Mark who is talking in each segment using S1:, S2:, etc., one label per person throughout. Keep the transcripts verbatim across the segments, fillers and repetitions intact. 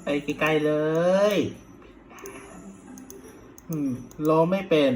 S1: ไปไกลๆเลยอืมรอไม่เป็น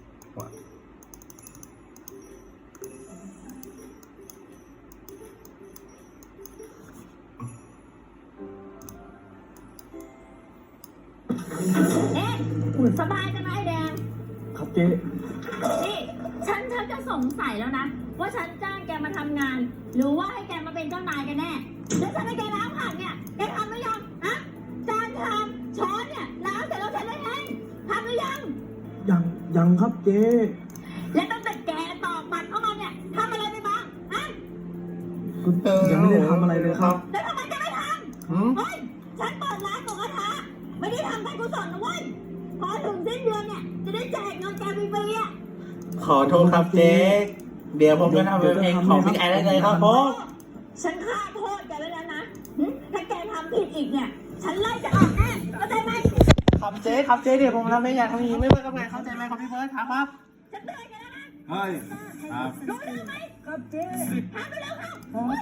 S2: เอ๊ะสบายกันไหมไอ้แดง
S3: ครับเจ๊
S2: นี่ฉันฉันจะสงสัยแล้วนะ ว่าฉันจ้างแกมาทำงาน หรือว่าให้แกมาเป็นเจ้านายกันแน่แล้วฉันให้แกล้างผักเนี่ยแกทำหรือยังฮะจานชามช้อนเนี่ยล้างเสร็จแล้วฉันได้เองทำหรือยัง
S3: ยังยังครับเจ๊
S2: และตั้งแต่แกตอกบัตรเข้ามาเนี่ยทำอะไรไปบ้างฮะ
S3: ก็ยังไม่ได้ทำอะไรเลยครับ
S2: แล้วทำไมแกไม่ท
S1: หืม
S2: ำเฮ้ยฉันเปิดร้านหมูกระทะไม่ได้ทำการกุศลนะเว้ยพอถึงสิ้นเดือนเนี่ยจะได้แจกเงินแกฟรีๆอ่ะ
S1: ขอโทษครับเจ๊เดี๋ยวผมจะทำเป็นเพลงของพี่แอนได้เลยครับผม
S2: ฉันฆ่าโทษแกแล้วนะหึถ้าแกทำผิดอีกเนี่ย ฉันไล่จะออกแน่เข้าใจไหม
S1: ครับเจ๊ครับเจ๊เดี๋ยวผมทำเพลงอย่างทำอย่างนี้ไม่เบิร์ดกับไงเข้าใจไหมครับพี่เบิร์ดครับครับ
S2: ฉันเตือนแกแล้วนะ
S3: เฮ้ยครับ
S2: รู้เรื่องไหมครับเจ๊ทำไปแล้วครับ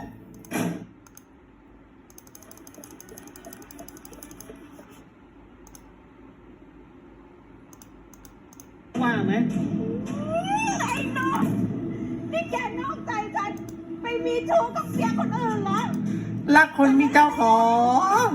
S3: ว่างไหม
S2: ไอ้น้องนี่แกนอกใจฉันไปมีชู้กับเสียคนอื่นเหรอ
S1: รักคนมีเจ้าของ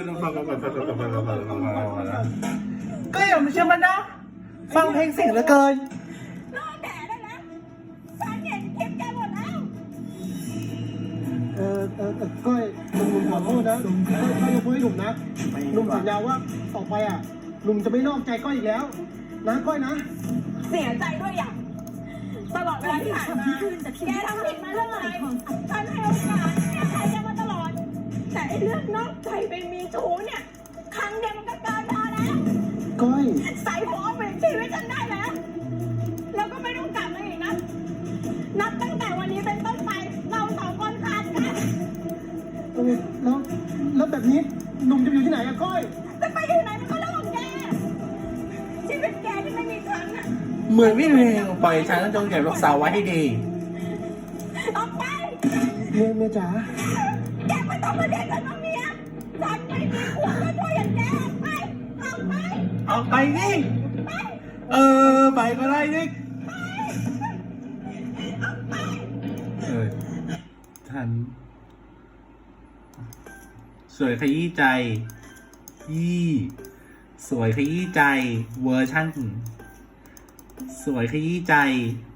S1: ก็อย่ามาเชื่อมันนะฟังเพลงเสียงเหลือเกิน
S2: รอแกได้แล้วฉันเห็นคลิปแกหมดแล้ว
S3: เออเออเออก้อยหนุ่มขอโทษนะหนุ่มก้อยก้อยยกมือให้หนุ่มนะหนุ่มสัญญาว่าต่อไปอ่ะหนุ่มจะไม่นอกใจก้อยอีกแล้ว นะก้อยนะ
S2: เสียใจด้วยอย่างตลอดเวลาที่ผ่านมาแกทำผิดมาเรื่องอะไรฉันให้โอกาสให้อภัยแกมาตลอด แต่ไอ้เรื่องนอกใจไปมีชู้เนี่ย ครั้งเดียวมันก็เกินพอแล้ว
S3: ก้อย
S2: ใส่หัวเปลี่ยนชีวิตฉันได้แล้ว แล้วก็ไม่ต้องกลับมาอีกนะ นับตั้งแต่วันนี้เป็นต้นไป เราสองคนขาดกัน
S3: เออแล้วแล้วแบบนี้หนุ่มจะอยู่ที่ไหนอะก้อย
S2: จะไปที่ไหนมันก็เรื่องของแก ชีวิตแกที่ไม่มีครั้งอะ
S1: เหมือนไม่เพลงปล่อยฉันจงเก็บรักษาไว้ให้ดี
S2: ออกไป
S3: เมียเมียจ๋า
S2: แกไม่ต้องมาเรียกฉันว่าเมียฉันไม่มีผัวก็ช่วยอย่างแกออกไปออกไป
S1: ออกไปนี่
S2: ไป
S1: เออไปก็ได้นี่
S2: ออกไป
S1: เออทันสวยขยี้ใจยี่สวยขยี้ใจเวอร์ชั่นสวยขยี้ใจ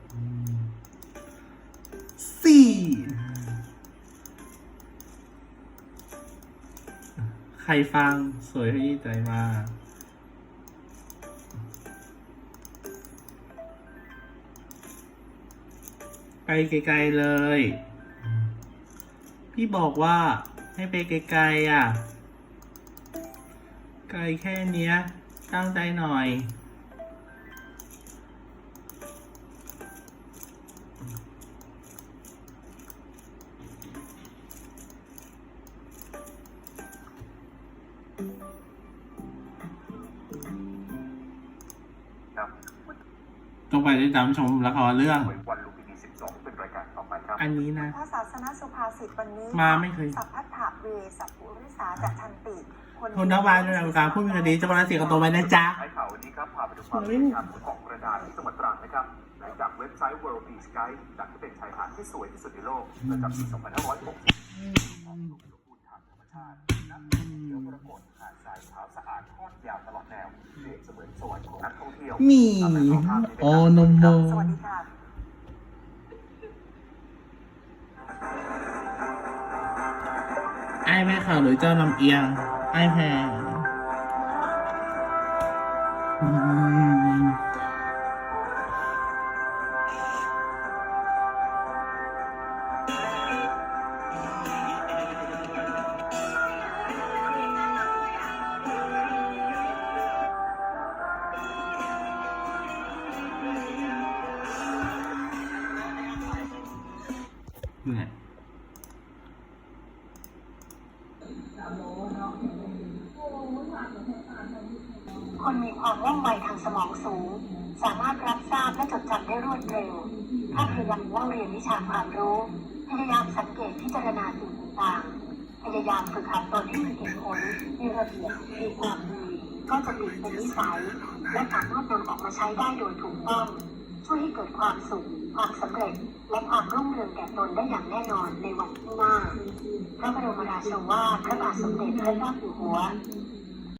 S1: สี่ใครฟังสวยขยี้ใจมาไปไกลๆเลย พี่บอกว่าให้ไปไกลๆอ่ะ ไกลแค่เนี้ย ตั้งใจหน่อย ต้องไปติดตามชมละครเรื่อง
S4: วันลุมพินีสิบสองเป็นรายการต่อไปครับ
S1: อันนี้นะ
S5: พระศาสนสุภาษิตวันนี้
S1: มาไม่เคย
S5: สัพพัทธะเวสัพพุริสาจัตทันติ
S1: คุณนวานในการพูดมีคดีจะมาเสียกับตัวไปนะจ๊ะ
S4: ท้ายข่าววันนี้ครับพาไปดูความสวยงามของกระดานที่จังหวัดตรังนะครับหลังจากเว็บไซต์ World Beach Guide จัดให้เป็นชายหาดที่สวยที่สุดในโลกประจำปี สองพันห้าร้อยหกสิบ ของหลุมสมบูรณ์ทางธรรมชาติน้ำเขียวมรกตหาดทรายขาวสะอาดทอดยาวตลอดแนวเปรียบเสมือนสวรรค์ของนักท่องเที่ยว
S1: มีโอโนโม
S5: สวัสดีค่ะ
S1: ไอ้แม่ข่าวหรือเจ้าลำเอียง ไอ้แพรอืมอยู่ไหน
S5: คนมีความว่องไวทางสมองสูง สามารถรับทราบและจดจำได้รวดเร็ว ถ้าพยายามเล่าเรียนวิชาความรู้ พยายามสังเกตพิจารณาสิ่งต่างๆพพยายามฝึกหัดตนให้มีเหตุผลมีระเบียบมีความดีก็จะติดเป็นนิสัยและสามารถนำออกมาใช้ได้โดยถูกต้องช่วยให้เกิดความสุขความสำเร็จและความรุ่งเรืองแก่ตนได้อย่างแน่นอนในวันข้างหน้าพระบรมราโชวาทพระบาทสมเด็จพระเจ้าอยู่หัว